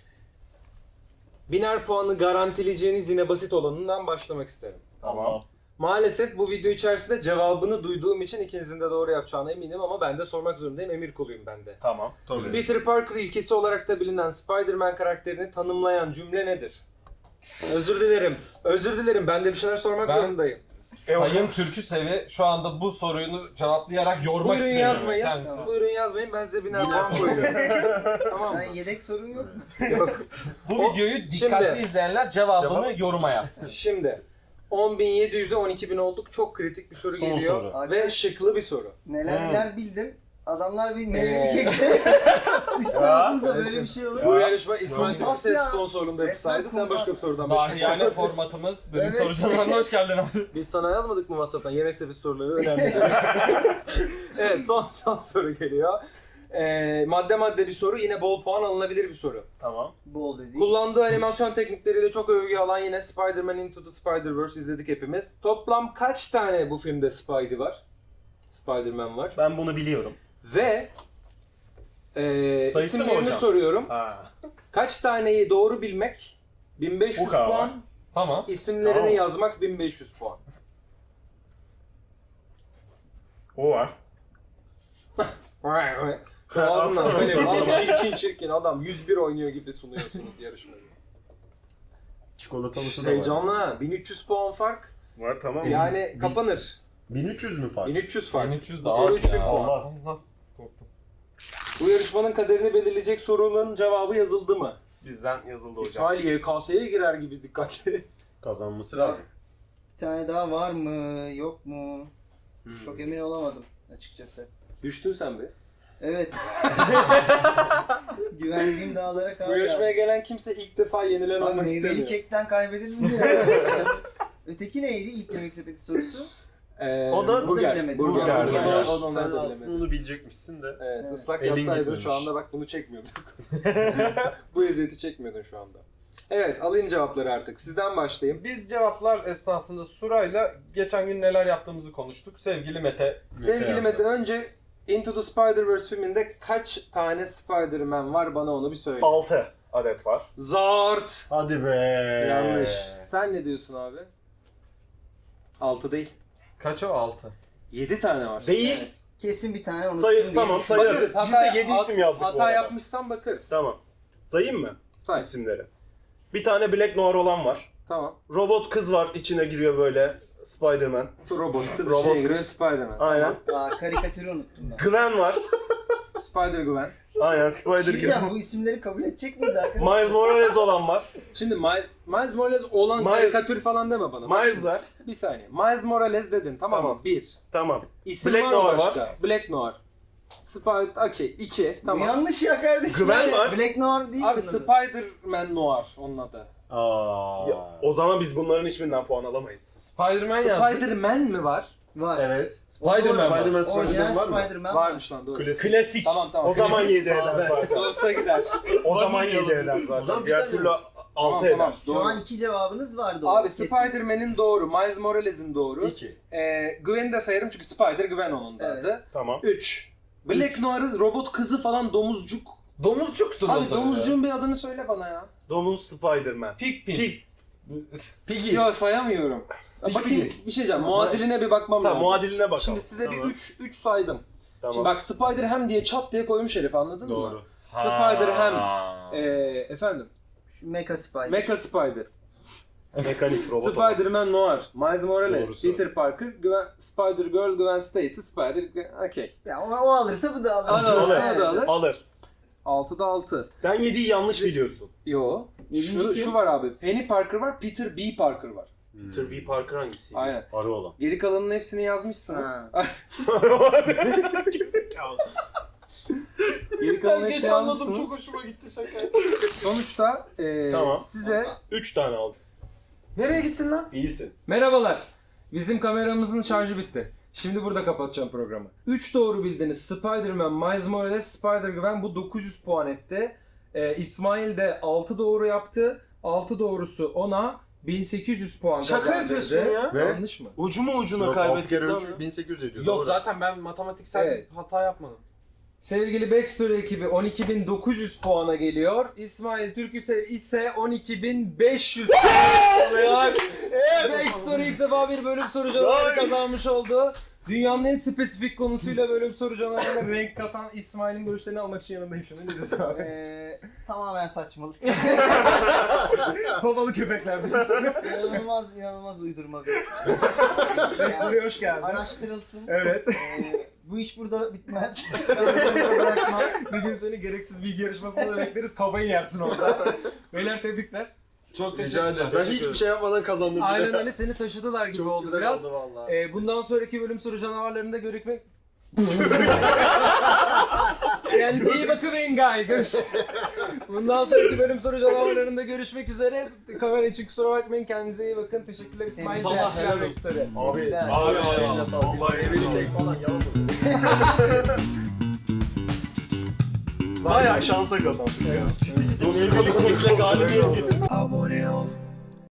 Speaker 1: Biner puanı garantileyeceğiniz yine basit olanından başlamak isterim.
Speaker 5: Tamam.
Speaker 1: Maalesef bu video içerisinde cevabını duyduğum için ikinizin de doğru yapacağına eminim ama ben de sormak zorundayım. Emir kuluyum ben de.
Speaker 5: Tamam. Tabii.
Speaker 1: Peter Parker ilkesi olarak da bilinen Spider-Man karakterini tanımlayan cümle nedir? Özür dilerim. Özür dilerim. Ben de bir şeyler sormak
Speaker 7: Ben-
Speaker 1: zorundayım.
Speaker 7: Sayın Türkü Sevi şu anda bu soruyu cevaplayarak yormak
Speaker 1: Buyurun
Speaker 7: istemiyorum
Speaker 1: yazmayın.
Speaker 7: kendisini.
Speaker 1: Buyurun yazmayın. Ben size biner puan koyuyorum. Tamam mı?
Speaker 6: Sen yedek sorun yok mu?
Speaker 1: Yok.
Speaker 7: Bu
Speaker 1: O-
Speaker 7: videoyu dikkatli
Speaker 1: Şimdi-
Speaker 7: izleyenler cevabını
Speaker 3: Cevap-
Speaker 7: yoruma yazsın.
Speaker 1: Şimdi on bin yedi yüze on iki bin olduk. Çok kritik bir soru
Speaker 3: Son
Speaker 1: geliyor.
Speaker 3: soru.
Speaker 1: Ve şıklı bir soru.
Speaker 6: Neler
Speaker 5: Hmm.
Speaker 6: neler bildim. Adamlar bir
Speaker 1: Ee.
Speaker 6: meyveli kekte sıçtı ağzımıza, böyle bir şey olur.
Speaker 1: Bu yarışma İsmail
Speaker 6: Nasıl
Speaker 1: Türkses
Speaker 6: ya?
Speaker 1: sponsorluğunda yapsaydı
Speaker 6: Resmen
Speaker 1: sen başka bir
Speaker 6: kumpas.
Speaker 1: sorudan başla.
Speaker 7: Dahiyane formatımız bölüm
Speaker 6: Evet.
Speaker 7: soru cevaplarına hoş geldin abi.
Speaker 1: Biz sana yazmadık mı WhatsApp'tan? Yemek sepeti soruları önemli. Evet son son soru geliyor. Ee, madde madde bir soru. Yine bol puan alınabilir bir soru.
Speaker 5: Tamam.
Speaker 6: Bol dedi.
Speaker 1: Kullandığı animasyon teknikleriyle çok övgü alan yine Spider-Man Into the Spider-Verse izledik hepimiz. Toplam kaç tane bu filmde Spidey var? Spider-Man var.
Speaker 5: Ben bunu biliyorum.
Speaker 1: Ve e,
Speaker 5: Sayısı mı
Speaker 1: isimlerini
Speaker 5: hocam?
Speaker 1: soruyorum.
Speaker 5: Ha.
Speaker 1: Kaç taneyi doğru bilmek bin beş yüz
Speaker 5: Bu kadar.
Speaker 1: puan.
Speaker 7: Tamam.
Speaker 1: İsimlerini
Speaker 5: Tamam.
Speaker 1: yazmak bin beş yüz puan.
Speaker 5: O var.
Speaker 1: Şu ağzından böyle bir adam çirkin çirkin adam yüz bir oynuyor gibi sunuyorsunuz yarışmayı.
Speaker 3: Çikolatalısı da var.
Speaker 1: Heyecanlı ha. bin üç yüz puan fark.
Speaker 5: Var tamam.
Speaker 1: Yani
Speaker 3: biz-
Speaker 1: kapanır.
Speaker 3: bin üç yüz mü fark?
Speaker 1: bin üç yüz fark.
Speaker 7: bin üç yüz
Speaker 1: Bu
Speaker 7: de
Speaker 1: soru
Speaker 7: az
Speaker 1: üç bin
Speaker 7: ya.
Speaker 1: puan.
Speaker 3: Allah.
Speaker 7: Allah. Korktum.
Speaker 1: Bu yarışmanın kaderini belirleyecek sorunun cevabı yazıldı mı?
Speaker 5: Bizden yazıldı hocam.
Speaker 1: İsmail Y K S'ye girer gibi dikkatli.
Speaker 3: Kazanması lazım.
Speaker 6: Bir tane daha var mı? Yok mu?
Speaker 1: Hmm.
Speaker 6: Çok emin olamadım açıkçası.
Speaker 1: Düştün sen be.
Speaker 6: Evet. Güvendiğim dağlara
Speaker 1: Bu
Speaker 6: kar
Speaker 1: yarışmaya
Speaker 6: yağdı.
Speaker 1: gelen kimse ilk defa yenilen
Speaker 6: Lan
Speaker 1: olmak
Speaker 6: meyveli
Speaker 1: istemiyor.
Speaker 6: kekten kaybedilir mi ya? Öteki neydi ilk yemek sepeti sorusu?
Speaker 1: Ee,
Speaker 5: O da
Speaker 1: burger.
Speaker 6: bilemedim.
Speaker 1: Burger.
Speaker 6: Burger.
Speaker 1: burger.
Speaker 6: Burger.
Speaker 1: O da onlar
Speaker 3: Sen
Speaker 1: da
Speaker 3: aslında
Speaker 1: bilemedi.
Speaker 3: onu bilecekmişsin de.
Speaker 1: Evet,
Speaker 6: Evet.
Speaker 1: ıslak
Speaker 3: Elin
Speaker 1: yazsaydın
Speaker 3: gitmemiş.
Speaker 1: şu anda bak bunu çekmiyorduk. Bu eziyeti çekmiyordun şu anda. Evet, alayım cevapları artık. Sizden başlayayım.
Speaker 7: Biz cevaplar esnasında Sura'yla geçen gün neler yaptığımızı konuştuk. Sevgili Mete.
Speaker 1: Sevgili
Speaker 3: yazdı.
Speaker 1: Mete, önce Into the Spider-Verse filminde kaç tane Spider-Man var, bana onu bir söyle.
Speaker 5: altı adet var.
Speaker 1: Zart!
Speaker 3: Hadi be.
Speaker 1: Yanlış. Sen ne diyorsun abi? altı değil.
Speaker 7: Kaç o? altı.
Speaker 1: yedi tane var.
Speaker 5: Değil.
Speaker 6: Evet. Kesin bir tane unuttum
Speaker 5: Sayı-
Speaker 6: diye
Speaker 5: tamam,
Speaker 6: düşünüyorum.
Speaker 5: sayı-
Speaker 1: Bakarız.
Speaker 5: Biz de yedi isim yazdık bu
Speaker 1: Hata
Speaker 5: arada.
Speaker 1: yapmışsan bakarız.
Speaker 5: Tamam. Sayayım mı
Speaker 1: Say.
Speaker 5: isimleri? Bir tane Black Noir olan var.
Speaker 1: Tamam.
Speaker 5: Robot kız var, içine giriyor böyle Spider-Man.
Speaker 1: Robot kız
Speaker 5: Robot
Speaker 1: şeye
Speaker 5: kız.
Speaker 1: giriyor, Spider-Man.
Speaker 5: Aynen.
Speaker 6: Aa, karikatürü unuttum ben.
Speaker 5: Gwen var.
Speaker 1: Spider-Gwen.
Speaker 5: Aynen
Speaker 6: Bir şey diyeceğim,
Speaker 5: Spider-Gwen.
Speaker 6: bu isimleri kabul edecek miyiz arkadaşlar?
Speaker 5: Miles Morales olan var.
Speaker 1: Şimdi Miles, Miles Morales olan
Speaker 5: Miles-
Speaker 1: karikatür falan deme bana. Bak
Speaker 5: Miles
Speaker 1: şimdi.
Speaker 5: var.
Speaker 1: Bir saniye. Miles Morales dedin, tamam,
Speaker 5: Tamam.
Speaker 1: mı? Bir.
Speaker 5: Tamam.
Speaker 1: İsim
Speaker 5: Black
Speaker 1: var mı
Speaker 5: Noir
Speaker 1: başka? Black Noir. Spider... Okey. iki.
Speaker 6: Bu
Speaker 1: Tamam.
Speaker 6: yanlış ya kardeşim.
Speaker 5: Gwen
Speaker 6: Yani
Speaker 5: var.
Speaker 6: Black Noir değil
Speaker 1: Abi
Speaker 6: bunun adı.
Speaker 1: Spider-Man Noir onun adı.
Speaker 3: Aa.
Speaker 5: Ya, o zaman biz bunların hiçbirinden puan alamayız.
Speaker 7: Spider-Man yazdık.
Speaker 1: Spider-Man mi var?
Speaker 6: Var.
Speaker 3: Evet.
Speaker 1: Spider-Man var.
Speaker 3: Spider-Man Spider-Man
Speaker 6: Orijinal
Speaker 3: var mı?
Speaker 6: Spider-Man var.
Speaker 1: Varmış lan doğru.
Speaker 3: Klasik.
Speaker 2: Klasik.
Speaker 1: Tamam tamam.
Speaker 3: O zaman yedi eder
Speaker 2: Sağ ol.
Speaker 3: zaten.
Speaker 2: Dosta gider.
Speaker 3: O zaman yedi eder
Speaker 5: O zaman
Speaker 3: zaten.
Speaker 5: bir
Speaker 3: Diğer
Speaker 5: tane
Speaker 3: türlü
Speaker 5: mi?
Speaker 3: altı
Speaker 1: Tamam,
Speaker 3: eder.
Speaker 6: Şu
Speaker 1: Doğru.
Speaker 6: an iki cevabınız var doğru.
Speaker 1: Abi
Speaker 6: kesin.
Speaker 1: Spider-Man'in doğru, Miles Morales'in doğru.
Speaker 3: İki.
Speaker 1: Ee, Gwen'i de sayarım çünkü Spider-Gwen onun da
Speaker 6: Evet.
Speaker 1: adı.
Speaker 3: Tamam.
Speaker 1: üç. Black Noir'ın robot kızı falan domuzcuk.
Speaker 2: Domuzcuktur o
Speaker 1: Abi
Speaker 2: tabii
Speaker 1: domuzcuğun bir adını söyle bana ya.
Speaker 3: Domuz Spider-Man.
Speaker 2: Pig pig.
Speaker 3: Pig.
Speaker 2: Piggy.
Speaker 1: Ya sayamıyorum. Ya
Speaker 3: Peki,
Speaker 1: bakayım
Speaker 3: peki.
Speaker 1: bir şey diyeceğim. Muadiline bir bakmam
Speaker 3: Tamam
Speaker 1: lazım.
Speaker 3: muadiline bakalım.
Speaker 1: Şimdi size
Speaker 3: Tamam.
Speaker 1: bir üç üç saydım.
Speaker 3: Tamam.
Speaker 1: Şimdi bak Spider Ham diye çat diye koymuş herif anladın mı?
Speaker 3: Doğru.
Speaker 1: Spider Ham. Ee, efendim.
Speaker 6: Şu Mecha Spider.
Speaker 1: Mecha Spider.
Speaker 3: Mekanik robot. olan.
Speaker 1: Spider-Man Noir. Miles Morales.
Speaker 3: Doğrusu.
Speaker 1: Peter Parker. Gwen, Spider-Girl. Gwen Stacy. Spider... Okey.
Speaker 6: Ya o, o alırsa bu da alır.
Speaker 1: Alır,
Speaker 3: Alır.
Speaker 1: alır, da alır.
Speaker 3: Alır.
Speaker 1: altıda altı.
Speaker 3: Sen yediyi yanlış biliyorsun.
Speaker 1: Yo. Şu, şu var abi. Penny Parker var. Peter B. Parker var.
Speaker 3: Peter B. Parker hangisi?
Speaker 1: Aynen.
Speaker 3: Arı olan.
Speaker 1: Geri kalanının hepsini yazmışsınız.
Speaker 6: Ha.
Speaker 1: Geri
Speaker 2: Sen
Speaker 1: kalanının
Speaker 2: geç
Speaker 1: hepsini
Speaker 2: anladım
Speaker 1: yazmışsınız.
Speaker 2: çok hoşuma gitti şaka.
Speaker 1: Sonuçta e,
Speaker 3: Tamam.
Speaker 1: size
Speaker 3: Üç tane aldım.
Speaker 2: Nereye gittin lan?
Speaker 3: İyisin.
Speaker 1: merhabalar. Bizim kameramızın şarjı bitti. Şimdi burada kapatacağım programı. üç doğru bildiniz. Spider-Man, Miles Morales, Spider-Gwen bu dokuz yüz puan etti. Ee, İsmail de altı doğru yaptı. altı doğrusu ona bin sekiz yüz puan
Speaker 2: Şaka
Speaker 1: kazandırdı.
Speaker 2: yapıyorsun ya.
Speaker 3: Ve-
Speaker 1: Yanlış mı?
Speaker 2: Ucu mu ucuna
Speaker 3: Yok, altı
Speaker 2: kaybettik
Speaker 3: kere
Speaker 2: lan
Speaker 3: üç
Speaker 2: ya?
Speaker 3: bin sekiz yüz ediyor.
Speaker 2: Yok
Speaker 3: Doğru.
Speaker 2: zaten ben matematiksel
Speaker 1: Evet.
Speaker 2: hata yapmadım.
Speaker 1: Sevgili Backstory ekibi on iki bin dokuz yüz puana geliyor. İsmail Türk ise, ise on iki bin beş yüz puan alıyor. Backstory ilk defa bir bölüm soru canavarı kazanmış oldu. Dünyanın en spesifik konusuyla bölüm soru canavarına renk katan İsmail'in görüşlerini almak için yanındayım şimdi. Ne diyorsun abi?
Speaker 6: Ee, tamamen saçmalık.
Speaker 1: Babalı köpekler diyorsun.
Speaker 6: inanılmaz inanılmaz uydurma bir.
Speaker 1: Backstory'e hoş geldin.
Speaker 6: Araştırılsın.
Speaker 1: Evet.
Speaker 6: Ee, bu iş burada bitmez.
Speaker 1: Bırakma. Bir gün seni gereksiz bilgi yarışmasında da bekleriz. Kafayı yersin orada. Beyler tebrikler.
Speaker 2: Çok teşekkür
Speaker 3: Rica
Speaker 2: ederim.
Speaker 3: ederim. Ben hiçbir şey yapmadan kazandım.
Speaker 1: Aynen öyle seni taşıdılar gibi
Speaker 3: Çok
Speaker 1: oldu
Speaker 3: güzel
Speaker 1: biraz.
Speaker 3: oldu valla.
Speaker 1: Ee, bundan sonraki bölüm soru canavarlarında görüşmek... Kendinize iyi bakın Engay. Görüş. Bundan sonraki bölüm soru canavarlarında görüşmek üzere. Kamera için kusura bakmayın. Kendinize iyi bakın. Teşekkürler İsmail.
Speaker 6: Sabah
Speaker 1: Teşekkürler
Speaker 2: helal
Speaker 1: Backstory.
Speaker 3: Abi,
Speaker 6: Güzel.
Speaker 3: abi,
Speaker 2: Abi,
Speaker 3: eline sağlık.
Speaker 2: vallahi
Speaker 3: Evini
Speaker 2: eline
Speaker 3: çek falan yalan.
Speaker 2: Bayağı
Speaker 3: Bayağı şansa kazandık ya. Biz bu
Speaker 2: galibiyet
Speaker 1: Abone ol.